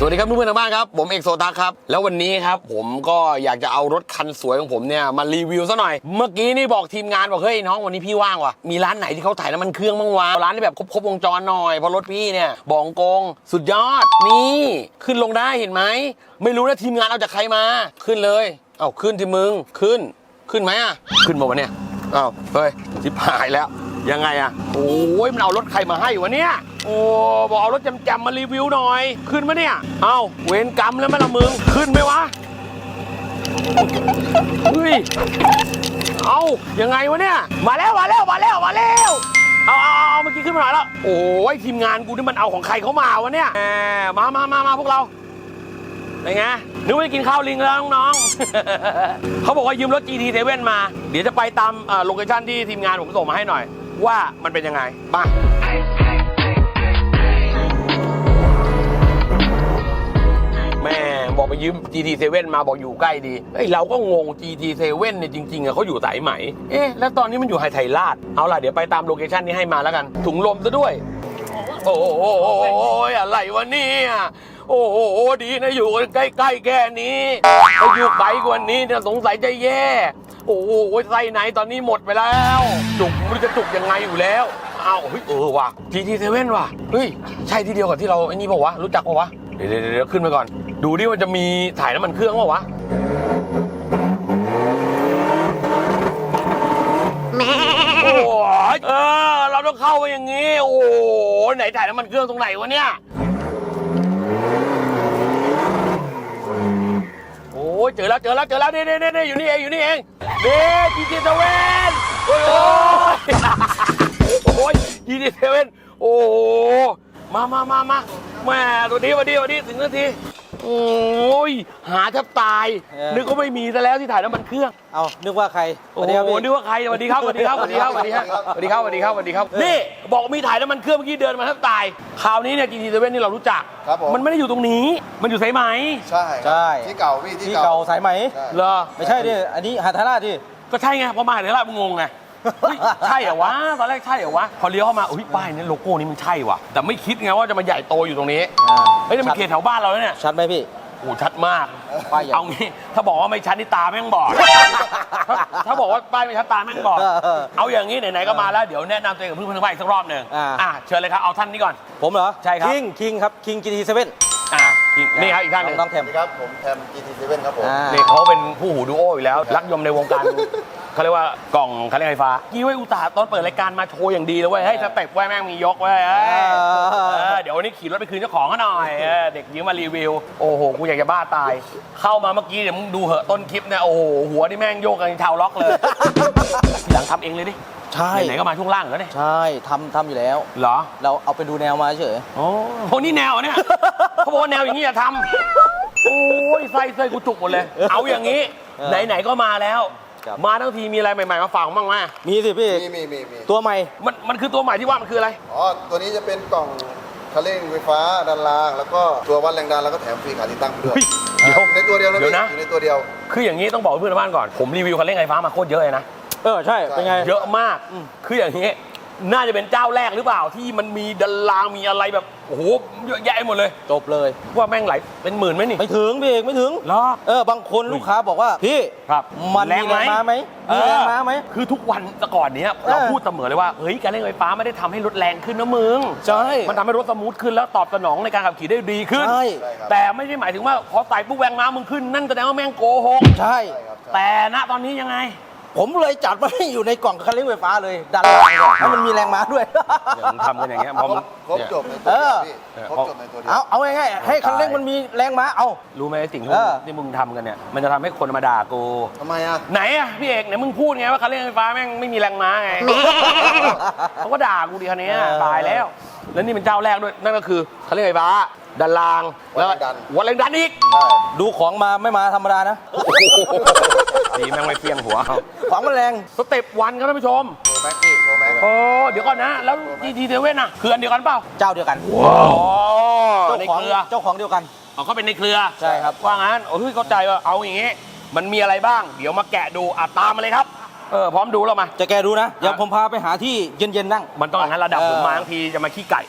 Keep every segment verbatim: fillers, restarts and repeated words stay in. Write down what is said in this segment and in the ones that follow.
สวัสดีครับเพื่อนๆทางบ้านครับผมเอกโซตักครับแล้ววันนี้ครับผมก็อยากจะเอารถคันสวยของผมเนี่ยมารีวิวซะหน่อยเมื่อกี้นี่บอกทีมงานบอกเฮ้ยน้องวันนี้พี่ว่างว่ะมีร้านไหนที่เขาถ่ายน้ำมันเครื่องบ้างวะร้านที่แบบครบๆวงจรหน่อยเพราะรถพี่เนี่ยบองกงสุดยอดนี่ขึ้นลงได้เห็นไหมไม่รู้นะทีมงานเอาจากใครมาขึ้นเลยเอ้าขึ้นที่มึงขึ้นขึ้นไหมอ่ะขึ้นมาวะเนี่ยเอ้าเฮ้ยชิบหายแล้วยังไงอะโอ้ยมันเอารถใครมาให้วะเนี่ยโอ้บอกเอารถจำๆมารีวิวหน่อยขึ้นมาเนี่ยเอ้าเวรกรรมแล้วไหมล่ะมึงขึ้นไหมวะเฮ้ยเอายังไงวะเนี่ยมาแล้วมาแล้วมาแล้วมาแล้วเอาเอาเอาเมื่อกี้ขึ้นมาหน่อยแล้วโอ้ยทีมงานกูนี่มันเอาของใครเขามาวะเนี่ยมามามามาพวกเราไงไงนึกว่าจะกินข้าวลิงแล้วน้องๆ เขาบอกว่ายืมรถ จี ที เซเว่น มาเดี๋ยวจะไปตามโลเคชั่นที่ทีมงานผมส่งมาให้หน่อยว่ามันเป็นยังไงมาแม่บอกไปยืม จี ที เซเว่น มาบอกอยู่ใกล้ดีเฮ้ยเราก็งง จี ที เซเว่น เนี่ยจริงๆอะเขาอยู่สายไหมเอ๊ะแล้วตอนนี้มันอยู่ไฮไทยราชเอาล่ะเดี๋ยวไปตามโลเคชั่นนี้ให้มาแล้วกันถุงลมซะด้วยโอ้โหอะไรวะเนี่ยโอ้โหดีนะอยู่ใกล้ๆแค่นี้ถ้าอยู่ไกลกว่านี้เนี่ยสงสัยจะแย่โอ้โหไส้ไหนตอนนี้หมดไปแล้วจุกไม่รู้จะจุกยังไงอยู่แล้วอ้าวเฮ้ยเออว่ะ จี ที เซเว่น ว่ะเฮ้ยใช่ที่เดียวกับที่เราไอ้นี่ป่าวะรู้จักป่าวะเดี๋ยวเดี๋ยวขึ้นไปก่อนดูดิว่าจะมีถ่ายน้ำมันเครื่องป่าวะโอ้ยเออเราต้องเข้าไปอย่างงี้โอ้โหไหนถ่ายน้ำมันเครื่องตรงไหนวะเนี่ยโอ้ยเจอแล้วเจอแล้วเจอแล้วนี่นี่นี่อยู่นี่เองอยู่นี่เองเด็ก จี ที เซเว่น โอ้ยโอ้ย จี ที เซเว่น โอ้มามามามาแม่ตัวนี้วันนี้วันนี้ถึงนาทีโอ้ยหาแทบตายนึกว่าไม่มีซะแล้วที่ถ่ายน้ำมันเครื่องเอานึกว่าใครโอ้โหนึกว่าใครสวัสดีครับสวัสดีครับสวัสดีครับสวัสดีครับสวัสดีครับสวัสดีครับสวัสดีครับนี่บอกมีถ่ายน้ำมันเครื่องเมื่อกี้เดินมาแทบตายคราวนี้เนี่ย จี ที เซเว่น นี่เรารู้จักมันไม่ได้อยู่ตรงนี้มันอยู่สายไหมใช่ใช่ที่เก่าพี่ที่เก่าสายไหมเหรอไม่ใช่ดิอันนี้หาดทาราดิก็ใช่ไงพอมาหาดทารามึงงงไงใช่เหรอวะตอนแรกใช่เหรอวะพอเลี้ยวเข้ามาอุ้ยป้ายนี้โลโก้นี้มันใช่ว่ะแต่ไม่คิดไงว่าจะมาใหญ่โตอยู่ตรงนี้เฮ้ยมันเขตแถวบ้านเราเนี่ยชัดไหมพี่โอ้ชัดมากเอางี้ถ้าบอกว่าไม่ชัดนี่ตาแม่งบอดถ้าบอกว่าป้ายไม่ชัดตาแม่งบอดเอาอย่างนี้ไหนๆก็มาแล้วเดี๋ยวแนะนำตัวเองกับเพื่อนๆทางบ้านอีกสักรอบหนึ่งอ่ะเชิญเลยครับเอาท่านนี้ก่อนผมเหรอใช่ครับคิงคิงครับคิง จี ที เซเว่นอ่ะนี่ครับอีกท่านหนึ่งน้องแทมครับผมแทม จี ที เซเว่น ครับผมนี่เขาเป็นผู้หูดูโออยู่แล้วรักยมในวงการเขาเรียกว่ากล่องคันเร่งไฟฟ้ากี้ไว้อุตส่าห์ตอนเปิดรายการมาโชว์อย่างดีเลยเว้ยให้สเต็ปไว้แม่งมียกไว้เดี๋ยววันนี้ขี่รถไปคืนเจ้าของเขาหน่อยเด็กยืมมารีวิวโอ้โหกูอยากจะบ้าตายเข้ามาเมื่อกี้เดี๋ยวมึงดูเหอะต้นคลิปเนี่ยโอ้โหหัวนี่แม่งโยกกันชาวล็อกเลยทีหลังทำเองเลยดิใช่ไหนก็มาช่วงล่างแล้วเนี่ยใช่ทำทำอยู่แล้วเหรอเราเอาไปดูแนวมาเฉยโอ้โหนี่แนวเนี่ยเขาบอกว่าแนวอย่างนี้อย่าทำโอ้ยไส้ไส้กูจุกหมดเลยเอาอย่างนี้ไหนๆก็มาแล้วมาทั้งทีมีอะไรใหม่ๆมาฝากบ้างไหมมีสิพี่มีมีมีมีตัวใหม่มันมันคือตัวใหม่ที่ว่ามันคืออะไรอ๋อตัวนี้จะเป็นกล่องคันเร่งไฟฟ้าด้านล่างแล้วก็ตัววัดแรงดันแล้วก็แถมฟรีขาติดตั้งด้วยเดี๋ยวในตัวเดียวนะพี่อยู่ในตัวเดียวคืออย่างนี้ต้องบอกเพื่อนบ้านก่อนผมรีวิวคันเร่งไฟฟ้ามาโคตรเยอะเลยนะเออใช่เป็นไงเยอะมากคืออย่างนี้น่าจะเป็นเจ้าแรกหรือเปล่าที่มันมีดันลางมีอะไรแบบโอ้โหเยอะแยะหมดเลยจบเลยว่าแม่งไหลเป็นหมื่นไหมนี่ไม่ถึงพี่เอกไม่ถึงเหรอเออบางคนลูกค้าบอกว่าพี่ครับมันมีแรงม้าไหมมีแรงม้าไหมคือทุกวันแต่ก่อนเนี้ยเราพูดเสมอเลยว่าเฮ้ยการเร่งไฟฟ้าไม่ได้ทำให้รถแรงขึ้นนะมึงใช่มันทำให้รถสมูทขึ้นแล้วตอบสนองในการขับขี่ได้ดีขึ้นใช่แต่ไม่ได้หมายถึงว่าพอใส่ปุ๊บแรงม้ามึงขึ้นนั่นแสดงว่าแม่งโกหกใช่แต่ณตอนนี้ยังไงผมเลยจัดมาให้อยู่ในกล่องคันเร่งไฟฟ้าเลยดันแรงให้มันมีแรงม้าด้วยมึงทำกันอย่างเงี้ยพอครบจบในตัวเดียวพี่ครบจบในตัวเดียวเอาเอาง่ายๆให้คันเร่งมันมีแรงม้าเอารู้ไหมสิ่งที่มึงทำกันเนี่ยมันจะทำให้คนมาด่ากูทำไมอ่ะไหนอ่ะพี่เอกเนี่ยมึงพูดไงว่าคันเร่งไฟฟ้าแม่งไม่มีแรงม้าไงเขาก็ด่ากูดิคันนี้ตายแล้วแล้วนี่เป็นเจ้าแรกด้วยนั่นก็คือคันเร่งไฟฟ้าดันรางแล้ววัดแรงดันอีกดูของมาไม่มาธรรมดานะดีแม่งไม่เพียงหัวของมันแรงสเต็ปวันครับท่านผู้ชมโปรแม็กซ์โปรแม็กซ์โอ้เดี๋ยวก่อนนะแล้ว จี ที เซเว่น อ่ะคืออันเดียวกันเปล่าเจ้าเดียวกันว้าวเจ้าของเจ้าของเดียวกันอ๋อเขาเป็นในเครือใช่ครับว่างั้นโอ้ยเข้าใจว่าเอาอย่างงี้มันมีอะไรบ้างเดี๋ยวมาแกะดูอ่ะตามมาเลยครับเออพร้อมดูแล้วมาจะแกะดูนะเดี๋ยวผมพาไปหาที่เย็นๆนั่งมันต้องอย่างนั้นระดับผมมาทั้งทีจะมาขี้ไก่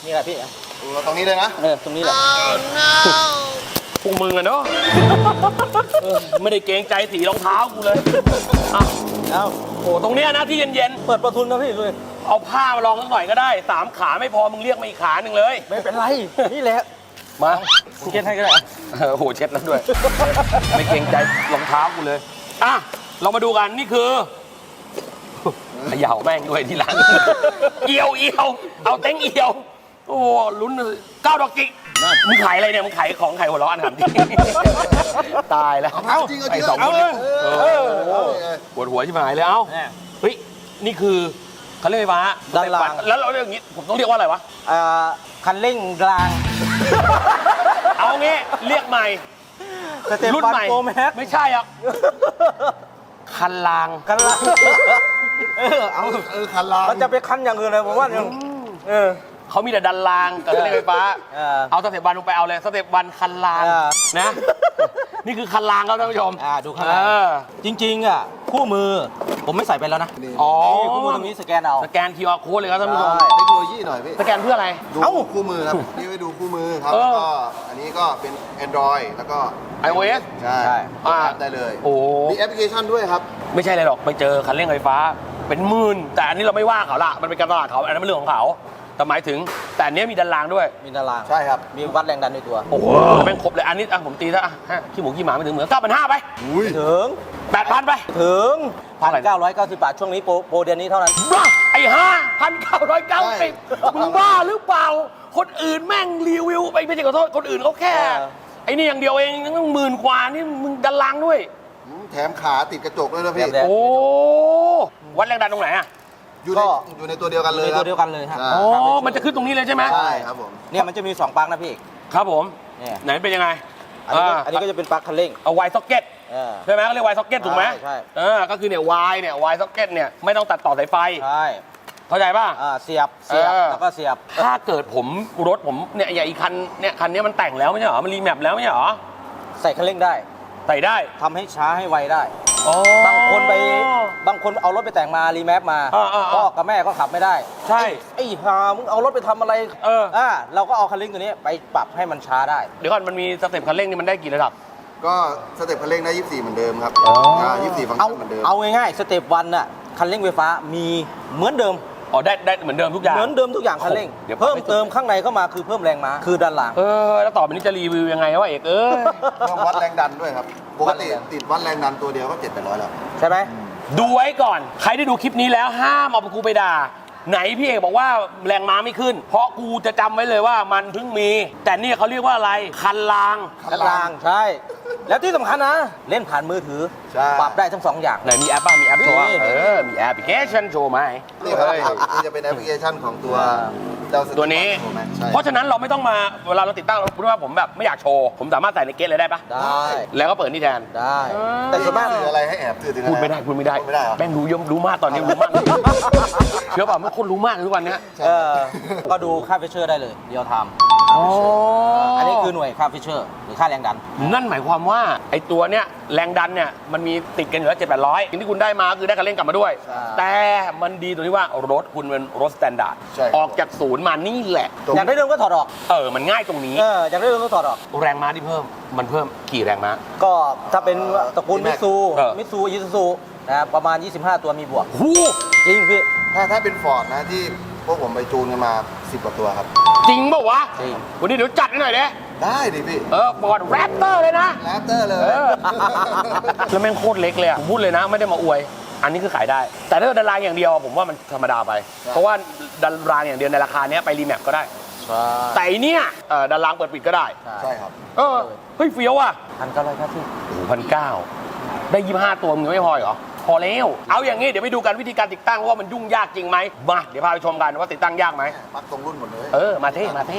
นี่แหละพี่ตัวตรงนี้เลยนะเออตรงนี้แหละพวกมึงอะเนาะเออไม่ได้เกรงใจสีรองเท้ากูเลยอ่ะเอาโอ้ตรงเนี้ยนะที่เย็นเปิดประทุนนะพี่เลยๆเอาผ้ามาลองสักหน่อยก็ได้สามขาไม่พอมึงเรียกมาอีกขาหนึ่งเลยไม่เป็นไร นี่แหละมาคุณเกณฑ์ให้ก็ได้เออโหเช็ดแล้วด้วย ไม่เกรงใจรองเท้ากูเลยอ่ะเรามาดูกันนี่คือเขย่าแม่งด้วยที่ร้านเอียวเอียวเอาเต็งเอียวโอ้ลุ้นเลยเก้าดอกจิกมึงขายอะไรเนี่ยมึงขายของขายหัวเราะอันถามจริงตายแล้วเอาจริงเอาจริงไอ้สองคนเอเนี่ยอเอเอออเออเออปวดหัวชิบหายเลยเอ้าเนี่ยเฮ้ยนี่คือคันเร่งไฟฟ้าด้านล่างแล้วเราเรียกอย่างนี้ผมต้องเรียกว่าอะไรวะอ่าคันเร่งรางเอางี้เรียกใหม่สเต็ปรุ่นวันใหม่โปรแม็กไม่ใช่อ่ะคันรางคันรางเออเอาเออคันลางมันจะไปคันอย่างอื่นเลยผมว่ายังเออเขามีแต่ดันรางกับคันเร่งไฟฟ้าเออเอาสเต็ปวันลงไปเอาเลยสเต็ปวันคันรางเออนะ นี่คือคันรางครับท่านผู้ชมอ่าดูข้างในเออจริงๆอ่ะคู่มือผมไม่ใส่ไปแล้วนะนี่อ๋อนี่คู่มือตรงนี้สแกนเอาสแกน คิว อาร์ code เลยครับท่านผู้ชมใช่เทคโนโลยีหน่อยพี่สแกนเพื่ออะไรดูเอ้าคู่มือครับนี่ไปดูคู่มือครับเอแล้วอก็อันนี้ก็เป็น Android แล้วก็ iOS ใช่ใช่อ่าแอปได้เลยโอ้มีแอปพลิเคชันด้วยครับไม่ใช่อะไรหรอกไปเจอคันเร่งไฟฟ้าเป็นหมื่นแต่อันนี้เราไม่ว่าเขาละมันเป็นการตลาดเขาอันนั้นเป็นเรื่องของเขาแต่หมายถึงแต่อันเนี้ยมีดันรางด้วยมีตารางใช่ครับมีวัดแรงดันในตัวโอ้โหแม่งครบเลยอันนี้อ่ะผมตีซะอ่ะฮะขี้หมูขี้หมาไม่ถึงเหมือนเก้าพันห้าไปอุ้ยถึงแปดพันไปถึงเท่าพันไหร่เก้าร้อยเก้าสิบบาท ช่วงนี้โปรโปรเดือนนี้เท่านั้นบ้าไอ้ห้าพันเก้าร้อยเก้าสิบมึงบ้าหรือเปล่า คนอื่นแม่งรีวิวไปไม่ใช่ขอโทษคนอื่นเขาแค่เออไอ้นี่อย่างเดียวเองต้องหมื่นกว่านี่มึงดันรางด้วยแถมขาติดกระจกด้วยนะพี่แถมโอ้วัดแรงดันตรงไหนอ่ะอยู่ในก็อยู่ในตัวเดียวกันเลยในครัตับวเดียวกันเลยฮะใช่อ๋อมันจะขึ้นตรงนี้เลยใช่ไหมใช่ครับผมเนี่ยมันจะมีสองปลั๊กนะพี่เอกครับผมเนี่ยไหนเป็นยังไงอันนี้ก็าอันนี้ก็จะเป็นปลั๊กคันเร่งเอาไวซ็อกเก็ตเออใช่ไหมเขาเรียกไวซ็อกเก็ตถูกไหมใช่ใช่เออก็คือเนี่ยวายเนี่ยวายซ็อกเก็ตเนี่ยไม่ต้องตัดต่อสายไฟใช่เข้าใจป่ะอ่าเสียบเสียบเออแล้วก็เสียบถ้าเกิดผมรถผมเนี่ยอย่างอีกคันเนี่ยคันนี้มันแต่งแล้วไม่ใช่เหรอมันรีแมปแล้วไม่ใช่เหรอใส่คันเร่งได้ใส่ได้ทำให้ช้าให้ไวได้อ๋อบางคนไปบางคนเอารถไปแต่งมารีแมปมาอ่าอ่าอ่าพ่อกับแม่ก็ขับไม่ได้ใช่ไอ้ห่ามึงเอารถไปทำอะไรเอออ่าเราก็เอาคันเร่งตัวนี้ไปปรับให้มันช้าได้เดี๋ยวก่อนมันมีสเต็ปคันเร่งนี่มันได้กี่ระดับก็สเต็ปคันเร่งได้ยี่สิบสี่เหมือนเดิมครับอ๋ออ่ายี่สิบสี่ฟังก์เอาชันเหมือนเดิมเอาง่ายๆสเต็ปวันน่ะคันเร่งไฟฟ้ามีเหมือนเดิมอ๋อได้ได้เหมือนเดิมทุกอย่างเหมือนเดิมทุกอย่างคันเร่งเดี๋ยวเพิ่มไปสุดเติมข้างในเข้ามาคือเพิ่มแรงม้าคือด้านหลังเออแล้วต่อไปนี้จะรีวิวยังไงวะเอกเอ้ยต้องวัดแรงดันด้วยครับ ปกติติดวัดแรงดันตัวเดียวก็เจ็ดแปดร้อยแล้วใช่ไหมดูไว้ก่อน ใครได้ดูคลิปนี้แล้วห้ามเอาไปกูไปด่า ไหนพี่เอกบอกว่าแรงม้าไม่ขึ้น เพราะกูจะจำไว้เลยว่ามันเพิ่งมี แต่นี่เขาเรียกว่าอะไร คันรางด้านหลังใช่ แล้วที่สำคัญนะ เล่นผ่านมือถือใช่ปรับได้ทั้งสองอย่างไหนมีแอปบ้างมีแอปโชว์บ้างมีเออ มีแอปพลิเคชันโชว์ไหมนี่ครับเฮ้ยนี่จะเป็นแอปพลิเคชันของตัวเจ้าสติตัวนี้โปรแม็กซ์ใช่เพราะฉะนั้นเราไม่ต้องมาเวลาเราติดตั้งเราพูดว่าผมแบบไม่อยากโชว์ ผมสามารถใส่ในเกตเลยได้ปะได้แล้วก็เปิดนี่แทนได้ แต่ส่วนมากสื่ออะไรให้แอบสื่อถึงอะรพูดไม่ได้พูดไม่ได้พูดไม่ได้เหรอแม่งรู้เยอะรู้มากตอนนี้รู้มาก เชื่อป่ะเมื่อคนรู้มากทุกวันเนี้ยเออก็ดูค่าฟิชเชอร์ได้เลยเดียวทอ๋อำอัอันนี้คือหน่วยค่าฟิชเชอร์หรือค่าแรงดันนั่นหมายความว่าไอ้ตัวเนี้ยแรงดันเนี่ยมันมีติดกันอยู่แล้วเจ็ดแปดร้อยสิ่งที่คุณได้มาคือได้คันเร่งกลับมาด้วยใช่แต่มันดีตรงที่ว่ารถคุณเป็นรถสแตนดาร์ดใช่ออกจากศูนย์มานี่แหละตรงอยากได้เดิมก็ถอดออกเออมันง่ายตรงนี้เอออยากได้เดิมก็ถอดออกแรงม้าที่เพิ่มมันเพิ่มกี่แรงม้าก็ถ้าเป็นตระกูลมิตซูเออมิตซูยิซูซูนะประมาณ ยี่สิบห้า ตัวมีบวกหูจริงพี่ถ้าถ้าเป็นฟอร์ดนะที่พวกผมไปจูนกันมาสิบกว่าตัวครับจริงเปล่าวะจริงวันนี้เดี๋ยวจัดให้หน่อยเด้ได้ดิพี่เออปอดแรปเตอร์เลยนะแรปเตอร์เลยเออ แล้วแม่งโคตรเล็กเลยอ่ะผมพูดเลยนะไม่ได้มาอวย อันนี้คือขายได้ แต่ถ้าดันรางอย่างเดียวผมว่ามันธรรมดาไป เพราะว่าดันรางอย่างเดียวในราคาเนี้ยไปรีแมปก็ได้ใช่แต่อันเนี้ยเอ่อดันรางเปิดปิดก็ได้ใช่ครับเออ เฮ้ยเฟี้ยวอ่ะพันเก้าร้อยเก้าสิบโอ้พันเก้าได้ยี่ห้าตัวมึงไม่พอเหรอ พอแล้ว เอาอย่างงี้เดี๋ยวไปดูกันวิธีการติดตั้งว่ามันยุ่งยากจริงไหมมาเดี๋ยวพาไปชมกันว่าติดตั้งยากไหมปักตรงรุ่นหมดเลยเออ มาเท่มาเท่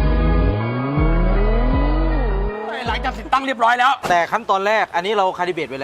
หลังจากติดตั้งเรียบร้อยแล้วแต่ขั้นตอนแรกอันนี้เราคาลิเบรตไว้แล้ว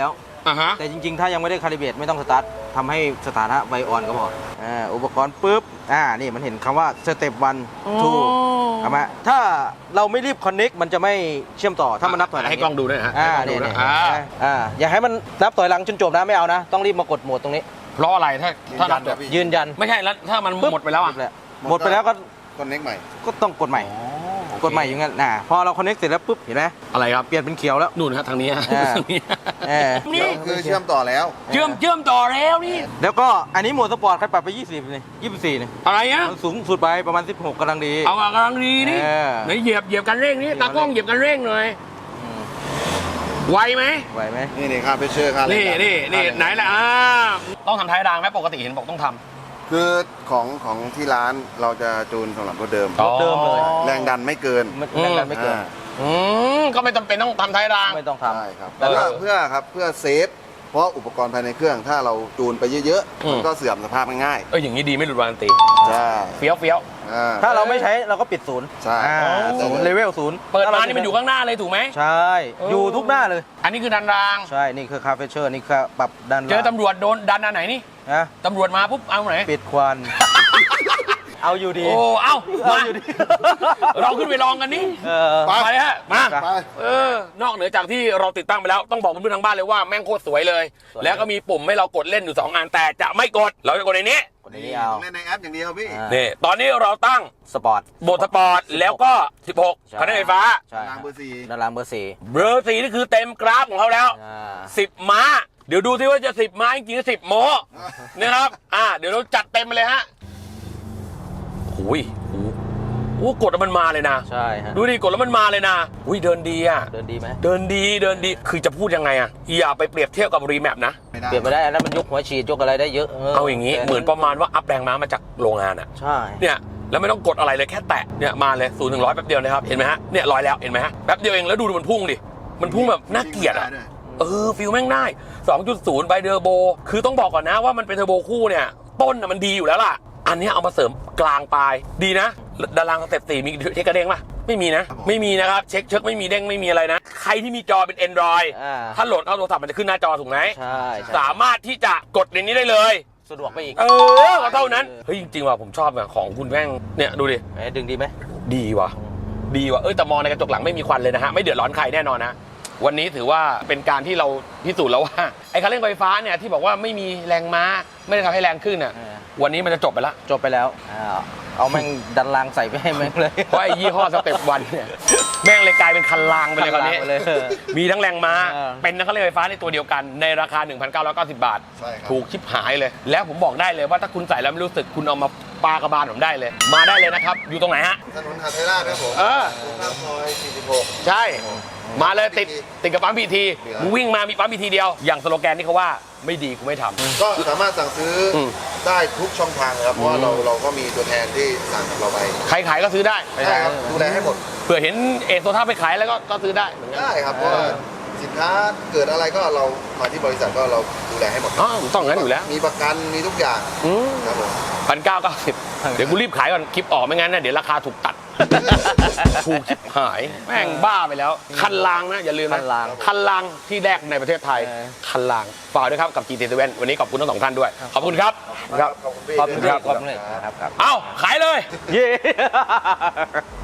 อ่าฮะแต่จริงๆ ถ้ายังไม่ได้คาลิเบรตไม่ต้องสตาร์ททำให้สถานะไวออนก็พออ่าอุปกรณ์ปุ๊บอ่านี่มันเห็นคำว่าสเต็ปวันทูเอามาถ้าเราไม่รีบคอนเน็กมันจะไม่เชื่อมต่อถ้ามันนับถอยหลังให้กล้องดูด้วยฮะอ่าให้กล้องดูนี่นะนี่อ่าอ่าอย่าให้มันนับถอยหลังจนจบนะไม่เอานะ ต้องรีบมากดโหมดตรงนี้เพราะอะไรถ้าถ้านับจบยืนยันไม่ใช่แล้วถ้ามันปึ๊บหมดไปแล้วอ่ะหมดไปแล้วก็คอนเน็กใหม่ก็ต้องกดใหม่ กดใหม่อย่างนั้นนะพอเราคอนเน็กเสร็จแล้วปุ๊บเห็นไหมอะไรครับเปลี่ยนเป็นเขียวแล้วนู่นฮะทางนี้ฮะอ่าทางนี้เออนี่คือเชื่อมต่อแล้วเชื่อมเชื่อมต่อแล้วนี่แล้วก็อันนี้โหมดสปอร์ตใครปรับไปยี่สิบนี่ยี่สิบสี่นี่อะไรอ่ะมันสูงสุดไปประมาณสิบหกกำลังดีเอากำลังดีนี่เออไหนเหยียบเหยียบกันเร่งนี่ตากล้องเหยียบกันเร่งหน่อยไวไหมไหวไหมนี่นี่ค่าเพชเชอร์ค่านี่แรงดันี่นี่ค่าแรงไหนล่ะอ่าต้องทำท้ายรางไหมปกติเห็นบอกต้องทคือของของที่ร้านเราจะจูนสำหรับรถเดิมำรถเดิมเลยแรงดันไม่เกินมันแรงดันไม่เกินอ่าอืมก็ไม่จำเป็นต้องทำท้ายรางไม่ต้องทำใช่ครับเออเพื่อเพื่อครับเพื่อเซฟเพราะอุปกรณ์ภายในเครื่องถ้าเราจูนไปเยอะอืๆมมันก็เสื่อมสภาพง่ายเอออย่างนี้ดีไม่หลุดวารันตีๆใช่เฟี้ยวเฟี้ยวอ่าถ้าเราไม่ใช้เราก็ปิดศูนย์ใช่อ่าอ๋อศูนย์เลเวลศูนย์เปิดมานี่มันอยู่ข้างหน้าเลยถูกไหมใช่เออออยู่ทุกหน้าเลยอันนี้คือดันรางใช่ นี่คือคาเฟเชอร์ นี่คือปรับดันเจอตำรวจโดนดันอันไหนนี่นะตำรวจมาปุ๊บเอาไหนปิดควัน เอาอยู่ดีโอ้เอ้าเอามาอยู่ดีเราขึ้นไปลองกันนี่เออไปไปฮะมาไปเออนอกเหนือจากที่เราติดตั้งไปแล้วต้องบอกเพื่อนๆทางบ้านเลยว่าแม่งโคตรสวยเลยสวยแล้วก็มีปุ่มให้เรากดเล่นอยู่สองอันแต่จะไม่กดเราจะกดในนี้กดในนี้เอาเล่นในแอปอย่างเดียวพี่อ่านี่ตอนนี้เราตั้งสปอร์ตโหมดสปอร์ตแล้วก็ สิบหกใช่คันเร่งไฟฟ้าใช่รางเบอร์สี่ด้านล่างเบอร์สี่เบอร์สี่นี่คือเต็มกราฟของเขาแล้วอ่าสิบม้า เดี๋ยวดูซิว่าจะสิบม้าจริงๆสิบโมนะครับอ่าเดี๋ยวเราจัดเต็มไปเลยฮะโอ้ยโอ้โหโอ้กดแล้วมันมาเลยนะใช่ฮะดูดิกดแล้วมันมาเลยนะอุ้ยเดินดีอ่ะเดินดีไหมเดินดีเดินดีคือจะพูดยังไงอ่ะอย่าไปเปรียบเทียบกับรีแมปนะไม่ได้เปลี่ยนไม่ได้อันนั้นมันยกหัวฉีดยกอะไรได้เยอะเอาอย่างนี้เหมือนประมาณว่าอัพแรงม้ามาจากโรงงานอ่ะใช่เนี่ยแล้วไม่ต้องกดอะไรเลยแค่แตะเนี่ยมาเลยศูนย์ถึงร้อยแป๊บเดียวนะครับเห็นไหมฮะเนี่ยร้อยแล้วเห็นไหมฮะแป๊บเดียวเองแล้วดูมันพุ่งดิมันพุ่งแบบน่าเกลียดอ่ะด้วยเออฟิลแม่งได้ สองจุดศูนย์ ไบเดอร์โบคือต้องบอกก่อนนะว่ามันเป็นเทอร์โบคู่เนี่ยต้นน่ะมันดีอยู่แล้วล่ะอันนี้เอามาเสริมกลางปลายดีนะดารางสเต็ปสี่มีเช็คกระเด้งป่ะไม่มีนะไม่มีนะครับเช็คเช็คไม่มีเด้งไม่มีอะไรนะใครที่มีจอเป็น Android อ่าถ้าโหลดเข้าโทรศัพท์มันจะขึ้นหน้าจอถูกไหมใช่ใช่สามารถที่จะกดในนี้ได้เลยสะดวกไปอีกเออก็เท่านั้นเฮ้ยจริงๆว่ะผมชอบอะของคุณแม่งเนี่ยดูดิไหนดึงดีไหมดีว่ะดีว่ะเอ้ยแต่มองในกระจกหลังไม่มีควันเลยนะฮะไม่เดือดร้อนใครแน่นอนนะวันนี้ถือว่าเป็นการที่เราพิสูจน์แล้วว่าไอ้คันเร่งไฟฟ้าเนี่ยที่บอกว่าไม่มีแรงม้าไม่ได้ทำให้แรงขึ้นน่ะเออวันนี้มันจะจบไปละจบไปแล้วอ้าวเอาแม่งดันรางใส่ไปให้แม่งเลยเพราะไอ้ยี่ห้อสเต็ปวันเนี่ยแม่งเลยกลายเป็นคันรางไปเลยคราวนี้คันรางไปเลยมีทั้งแรงม้าเออเป็นทั้งคันเร่งไฟฟ้าในตัวเดียวกันในราคา หนึ่งพันเก้าร้อยเก้าสิบ บาทใช่ครับถูกชิบหายเลย แล้วผมบอกได้เลยว่าถ้าคุณใส่แล้วไม่รู้สึกคุณเอามาปากระบาลผมได้เลย มาได้เลยนะครับอยู่ตรงไหนฮะถนนหาดไทยราชครับผมเออตรงข้ามซอยสี่สิบหกใช่ มาเลยติดติดกับปั๊มพีทีเหลือมึงวิ่งมามีปั๊มพีทีเดียว อย่างสโลแกนที่เขาว่าไม่ดีกูไม่ทำก็สามารถสั่งซื้ออมได้ทุกช่องทางเลยครับเพราะว่าเราเราก็มีตัวแทนที่สั่งกับเราไปใครขายก็ซื้อได้ใช่ครับดูแลให้หมดเผื่อเห็นเอโซท่าไปขายแล้วก็ก็ซื้อได้เหมือนกันได้ครับเพราะว่าสินค้าเกิดอะไรก็เรามาที่บริษัทก็เราดูแลให้หมดอ๋อต้องงั้นอยู่แล้วมีประกันมีทุกอย่างอืมครับผมพันเก้าเก้าสิบเดี๋ยวกูรีบขายก่อนคลิปออกไม่งั้นนะเดี๋ยวราคาถูกตัด ถูกชิบหายแม่งบ้าไปแล้ว คันลางนะอย่าลืมนะคันรางคันลางที่แรกในประเทศไทยเออคันลางฝากด้วยครับกับ จี ที เซเว่น วันนี้ขอบคุณทั้งสองท่านด้วยขอบคุณครับขอบคุณพี่ขอบคุณด้วยครับขอบคุณเลยครับครับเอ้าขายเลยเย้